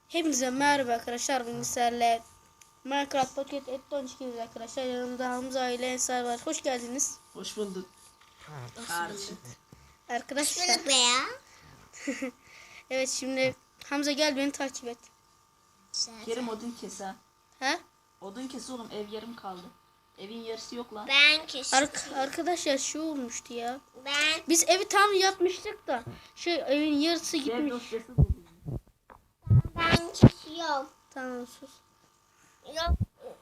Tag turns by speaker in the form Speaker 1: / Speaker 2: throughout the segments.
Speaker 1: Hepinize merhaba arkadaşlar. Bugün sizlerle Minecraft Pocket Edit çıkıyoruz arkadaşlar. Yanımda Hamza ile Ensar var. Hoş geldiniz.
Speaker 2: Hoş bulduk. Kardeşim.
Speaker 1: Arkadaşlar.
Speaker 3: Şunu be ya.
Speaker 1: Evet, şimdi Hamza gel beni takip et.
Speaker 2: Kerim odun kes ha.
Speaker 1: Ha?
Speaker 2: Odun kes oğlum, ev yarım kaldı. Evin yarısı yok lan.
Speaker 3: Ben kesiyorum.
Speaker 1: Arkadaşlar şu olmuştu ya.
Speaker 3: Ben
Speaker 1: Biz evi tam yapmıştık da evin yarısı
Speaker 2: Dev
Speaker 1: gitmiş.
Speaker 2: dosyası buldum.
Speaker 3: ben kesiyorum.
Speaker 1: Tamam, sus.
Speaker 3: Yok.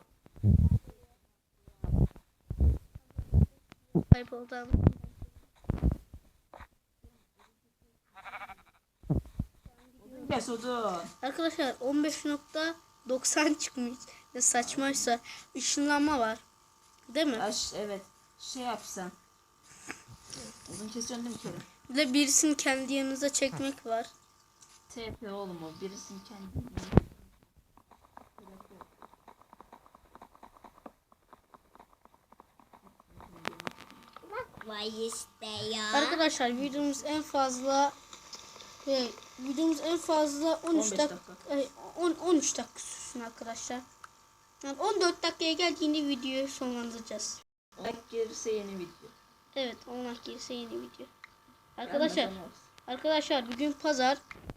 Speaker 1: Ayıp oldu ama.
Speaker 2: Odun kes odun.
Speaker 1: Arkadaşlar 15.90 çıkmış. Ne saçmaysa ışınlanma var. Değil mi?
Speaker 2: Evet. Şey yap sen. Odun kesiyorsun değil mi Kerim?
Speaker 1: Bir de birisini kendi yanınıza çekmek var.
Speaker 2: TP oğlum o. Birisini kendi.
Speaker 3: Bak var işte ya.
Speaker 1: Arkadaşlar videomuz en fazla 13
Speaker 2: 15
Speaker 1: dakika 13 dakika sürsün arkadaşlar. Yani 14 dakikaya geldiğinde videoyu sonlandıracağız.
Speaker 2: Like gelirse yeni video.
Speaker 1: Evet, 10 dakika gelirse yeni video. Arkadaşlar
Speaker 2: Gelmeden olsun.
Speaker 1: bugün pazar.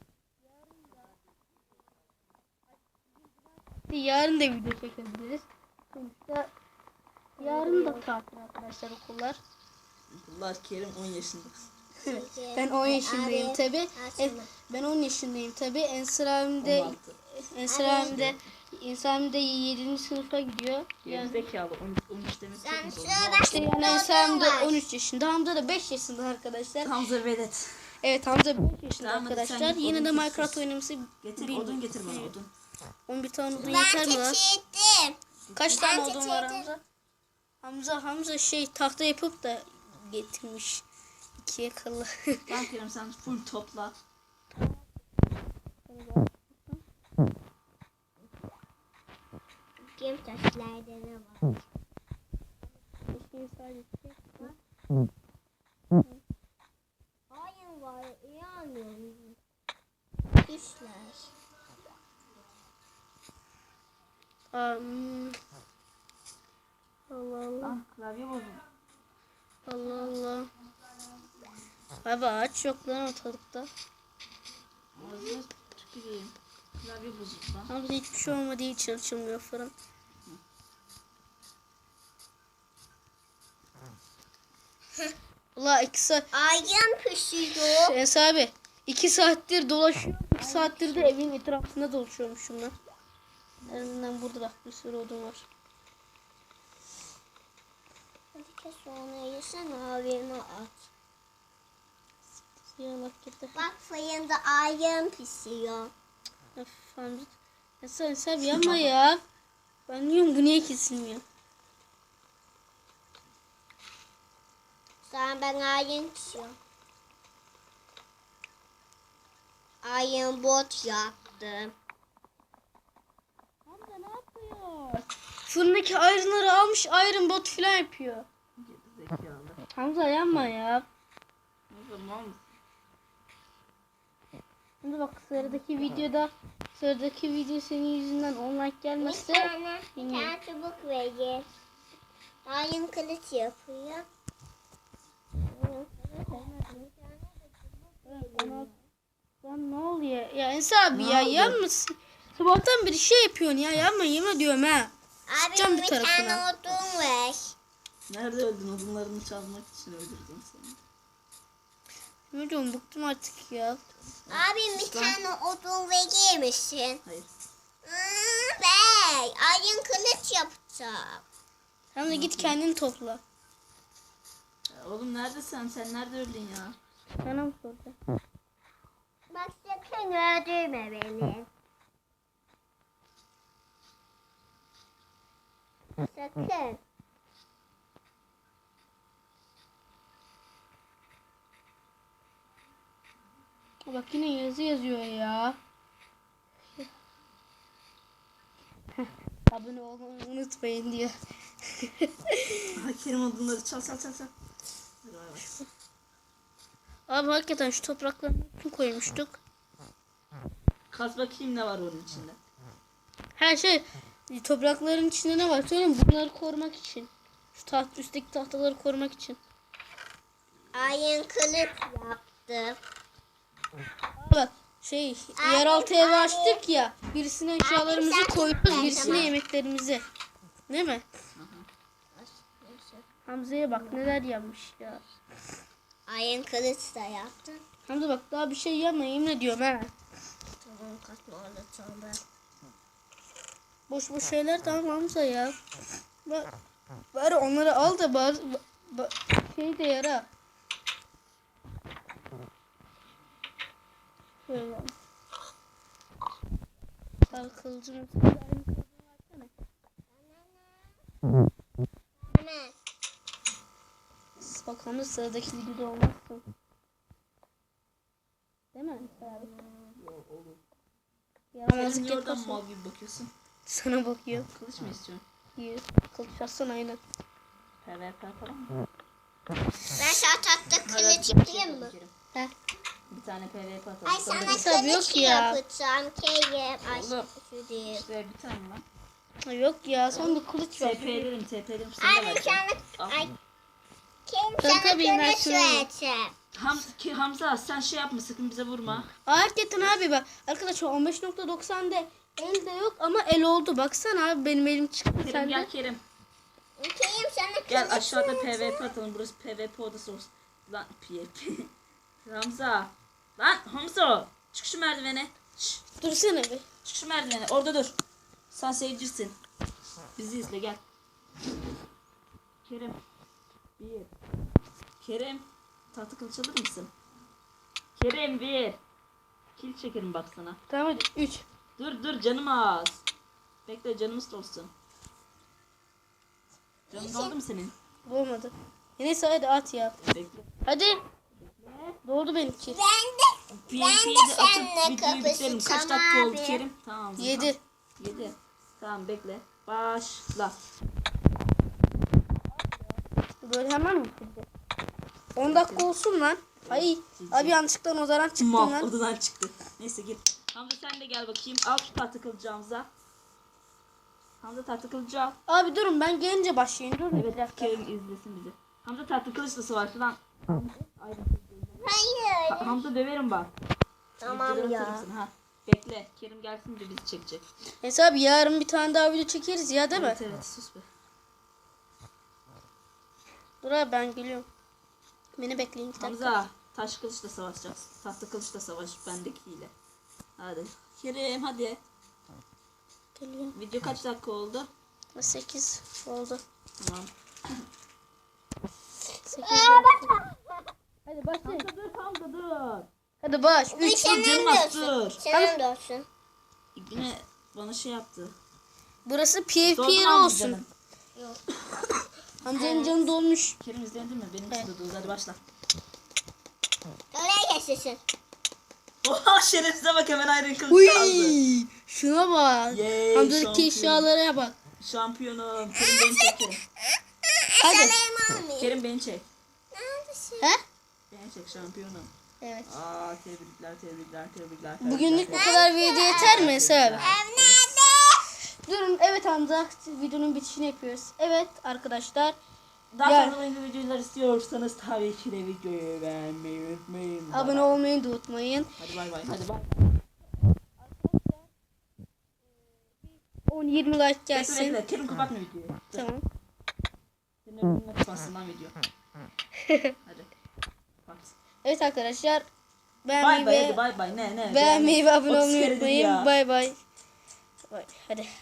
Speaker 1: Yarın da video çekebiliriz. Sonuçta yarın da tatil arkadaşlar, okullar.
Speaker 2: Bunlar Kerim 10 yaşında.
Speaker 1: Ben 10 yaşındayım
Speaker 3: Abi,
Speaker 1: tabi.
Speaker 3: açma.
Speaker 1: Ben 10 yaşındayım tabi. Ensar abim de 7. sınıfa gidiyor.
Speaker 2: Geri
Speaker 1: Yani
Speaker 2: zekalı 13 demek çok
Speaker 3: Sen
Speaker 2: mu zor?
Speaker 3: şöyle
Speaker 1: işte yani Ensar abim de
Speaker 3: var.
Speaker 1: 13 yaşında. Hamza da 5 yaşında arkadaşlar.
Speaker 2: Hamza velet.
Speaker 1: Evet, Hamza 5 yaşında
Speaker 2: Tamam, hadi sen
Speaker 1: arkadaşlar.
Speaker 2: git,
Speaker 1: Yine
Speaker 2: odun
Speaker 1: de
Speaker 2: kes.
Speaker 1: Minecraft oynaması
Speaker 2: Getir
Speaker 1: bilmiyorum.
Speaker 2: odun getir bana odun.
Speaker 1: 11 tane odun
Speaker 3: Ben
Speaker 1: yeter mi lan?
Speaker 3: kestirdim.
Speaker 1: Kaç tane
Speaker 3: Ben
Speaker 1: odun var
Speaker 3: getirdim.
Speaker 1: Hamza? Hamza tahta yapıp da getirmiş. 2'ye kalı.
Speaker 2: Tamam Kerim sen full topla.
Speaker 3: Kim taşlarda ne var? Hayır var. İyi anlıyorum. İşler.
Speaker 1: Allah Allah.
Speaker 2: Ah klavye bozuldu.
Speaker 1: Allah Allah. Abi ağaç yok lan ortalıkta.
Speaker 2: Ağzına tüküreyim. Klavye bozuldu lan.
Speaker 1: Hamza hiçbir şey olmadığı için açılmıyor fırın. Allah 2 saat.
Speaker 3: Ayın pişiyor.
Speaker 1: Enes abi 2 saattir dolaşıyor. 2 saattir de evin etrafında dolaşıyormuşum ben. Elinden burada bak bir sürü odun var.
Speaker 3: Hadi kes onu yesene abime at.
Speaker 1: Siyah gitti.
Speaker 3: Bak fırında ayın pişiyor.
Speaker 1: Öf Hamza. Enes abi yapma ya. Ben diyorum bu niye kesilmiyor?
Speaker 3: Sonra ben ayın pişiyorum. Ayın bot yaptım.
Speaker 1: Hamza ne yapıyor? Fırındaki ayrınları almış, iron bot falan yapıyor.
Speaker 2: Geri zekalı.
Speaker 1: Hamza yapma ya.
Speaker 2: O zaman
Speaker 1: Şimdi bak sıradaki video senin yüzünden online
Speaker 3: Bir
Speaker 1: gelmezse
Speaker 3: tane çubuk verir. Ayın kılıç yapıyor.
Speaker 1: lan ne oluyor? Ya Ensar abi ya
Speaker 2: oldu?
Speaker 1: yapmasın. Sabahtan beri şey yapıyorsun ya, yapma yemin ediyorum ha. Sıkacağım
Speaker 3: Abi
Speaker 1: bir
Speaker 3: bir
Speaker 1: tarafına.
Speaker 3: tane odun ver.
Speaker 2: nerede öldün? Odunlarını çalmak için öldürdüm seni.
Speaker 1: Yemin ediyorum bıktım artık ya.
Speaker 3: Abi bir tane odun verir misin?
Speaker 2: Hayır.
Speaker 3: Bey, ayın kılıç yapacağım.
Speaker 1: Sen de git kendini topla.
Speaker 2: Ya oğlum neredesin? Sen nerede öldün ya?
Speaker 1: Sana mı soracağım?
Speaker 3: Bak sakın öldürme beni. Sakın.
Speaker 1: Bak yine yazı yazıyor ya. Abone olmayı unutmayın diyor.
Speaker 2: Ay Kerim odunları çal çal çal çal. Hadi bay bay.
Speaker 1: Abi hakikaten şu toprakları kim koymuştuk?
Speaker 2: Kaz bakayım ne var onun içinde.
Speaker 1: Her şey toprakların içinde ne var söyleyeyim bunları korumak için. Şu üstteki tahtaları korumak için.
Speaker 3: Ayın kılıç yaptı.
Speaker 1: Bak yeraltı evi açtık ya. Birisine eşyalarımızı
Speaker 3: sen
Speaker 1: koyuyoruz,
Speaker 3: gitme,
Speaker 1: birisine
Speaker 3: tamam.
Speaker 1: yemeklerimizi. Değil mi? Hamza'ya bak neler yapmış ya.
Speaker 3: Ayın kılıç da yaptı.
Speaker 1: Hamza bak daha bir şey yapma yemin ediyorum ha.
Speaker 3: Tamam katma anlatalım.
Speaker 1: Boş boş şeyler tamam Hamza ya. Bari onları al da bari şey de yara. Şöyle. Al kılıcını.
Speaker 3: Hemen.
Speaker 1: Bak Hamza sıradaki videoda olmazsın. Değil mi? Abi? Yaramazlık
Speaker 2: Niye oradan
Speaker 1: yapıyorsun.
Speaker 2: mal gibi bakıyorsun?
Speaker 1: Sana bakıyor.
Speaker 2: Kılıç mı istiyorsun?
Speaker 1: İyi. Kılıç atsana aynen.
Speaker 2: PvP falan mı?
Speaker 3: Ben sana tatlı
Speaker 2: Hadi
Speaker 3: kılıç
Speaker 2: bir şey
Speaker 3: yapayım mı?
Speaker 2: Kerim.
Speaker 1: Heh.
Speaker 2: Bir tane PvP atalım.
Speaker 3: Ay sana
Speaker 1: Tabii yok
Speaker 3: kılıç
Speaker 1: ya.
Speaker 3: yapacağım. Kerim. Ay
Speaker 2: Oğlum.
Speaker 3: şu değil.
Speaker 2: İşte bir tane lan.
Speaker 1: Ha, yok ya sen bir kılıç ver.
Speaker 2: TP'lerim. Sana
Speaker 3: Ay
Speaker 2: da
Speaker 3: ben
Speaker 2: vereceğim.
Speaker 3: sana...
Speaker 2: Al.
Speaker 3: Ay. Kerim
Speaker 1: Tabii,
Speaker 3: sana
Speaker 1: tabii, ben
Speaker 3: kılıç
Speaker 1: şunu alayım.
Speaker 3: vereceğim.
Speaker 2: Hamza sen şey yapma sakın bize vurma.
Speaker 1: Hakikaten abi bak. Arkadaşlar 15.90'da elde yok ama el oldu. Baksana abi benim elim çıktı
Speaker 2: Kerim
Speaker 1: sende.
Speaker 2: gel Kerim.
Speaker 3: Kerim sana kılıç
Speaker 2: Gel aşağıda
Speaker 3: vereceğim.
Speaker 2: PvP atalım. Burası PvP odası olsun. Lan PvP. Hamza. Lan Hamza. Çık şu merdivene. Şşş,
Speaker 1: Dursana bir.
Speaker 2: çık şu merdivene. Orada dur. Sen seyircisin. Bizi izle gel. Kerim. Bir. Kerim. Tahta kılıç alır mısın? Kerim bir. Kil çekerim bak sana.
Speaker 1: Tamam hadi 3.
Speaker 2: Dur canım az. Bekle canımız dolsun. Canın doldu mu senin?
Speaker 1: Olmadı. Neyse hadi at ya.
Speaker 2: Bekle.
Speaker 1: Hadi. Doldu benimki.
Speaker 3: Ben de.
Speaker 2: PvP'yi de
Speaker 3: seninle
Speaker 2: atıp videoyu bitirelim. Kaç
Speaker 3: kapışacağım
Speaker 2: dakika oldu
Speaker 3: abi.
Speaker 2: Kerim? Tamam.
Speaker 1: 7.
Speaker 2: 7. Tamam bekle. Başla.
Speaker 1: Böyle hemen mi bitireceğiz? 10 dakika olsun lan. Ay abi yanlışlıkla odadan çıktım
Speaker 2: Mal
Speaker 1: lan.
Speaker 2: odadan çıktı. Neyse git. Hamza sen de gel bakayım. Al şu tahta kılıcı Hamza. Hamza tahta kılıcı al.
Speaker 1: Abi durun ben gelince başlayın. Durun bir
Speaker 2: Evet
Speaker 1: dakika.
Speaker 2: Kerim izlesin bizi. Hamza tahta kılıçla savaştı lan.
Speaker 3: Hayır.
Speaker 2: Hamza döverim bak.
Speaker 3: Tamam
Speaker 2: Videoları
Speaker 3: ya.
Speaker 2: atarım sana, ha. Bekle. Kerim gelsin de bizi çekecek.
Speaker 1: Neyse abi yarın bir tane daha video çekeriz ya değil mi?
Speaker 2: Evet evet sus be.
Speaker 1: Dur abi ben geliyorum. Beni bekleyin 2 dakika.
Speaker 2: Hamza taş kılıçla savaşacağız. Tahta kılıçla savaş bendekiyle. Hadi. Kerim hadi.
Speaker 1: Geliyorum.
Speaker 2: Video kaç dakika oldu?
Speaker 1: 8 oldu.
Speaker 2: Tamam.
Speaker 1: 8 oldu. Hadi başlayın.
Speaker 2: Hamza dur Hamza dur.
Speaker 1: Hadi baş. 3.
Speaker 2: Canım az dur.
Speaker 3: Senin de olsun.
Speaker 2: Yine bana şey yaptı.
Speaker 1: Burası PvP
Speaker 2: Doldu
Speaker 1: yeri
Speaker 2: mu Hamza
Speaker 1: olsun.
Speaker 2: canın?
Speaker 1: Hamza'nın canı dolmuş.
Speaker 2: Kerim izledin mi? Benim için de doldu. Hadi başla.
Speaker 3: Oraya geçsin.
Speaker 2: Oha şerefsize bak hemen ayrı kılıç aldı.
Speaker 1: Uy, şuna bak.
Speaker 2: Yay,
Speaker 1: Hamza'daki
Speaker 2: şampiyon.
Speaker 1: eşyalara bak.
Speaker 2: Şampiyonum. Kerim beni çek Kerim.
Speaker 1: Hadi.
Speaker 3: Benim almayayım.
Speaker 2: Kerim beni çek.
Speaker 3: Neredesin?
Speaker 1: He?
Speaker 2: Beni çek şampiyonum.
Speaker 1: Evet.
Speaker 2: Aa tebrikler.
Speaker 1: Bugünlük bu kadar video yeter mi Esra abi?
Speaker 3: Ev nerede?
Speaker 1: Durun evet Hamza videonun bitişini yapıyoruz. Evet arkadaşlar.
Speaker 2: Daha
Speaker 1: Gel.
Speaker 2: fazla oyun videolar istiyorsanız tabii ki de videoyu beğenmeyi unutmayın. Bay
Speaker 1: Abone
Speaker 2: bay.
Speaker 1: olmayı da unutmayın.
Speaker 2: Hadi bay bay. Hadi bay.
Speaker 1: 10-20 like
Speaker 2: Bekle
Speaker 1: gelsin.
Speaker 2: bekle. Kerim kapatma videoyu.
Speaker 1: Tamam.
Speaker 2: Senin önüne kapatsın video. Hadi. Kapat.
Speaker 1: Evet arkadaşlar.
Speaker 2: Bay
Speaker 1: Beğenmeyi
Speaker 2: bay
Speaker 1: ve
Speaker 2: hadi bay bay. Ne
Speaker 1: beğenmeyi ve abone
Speaker 2: 30
Speaker 1: olmayı
Speaker 2: kere dedi
Speaker 1: unutmayın.
Speaker 2: ya.
Speaker 1: Bay bay. Hadi.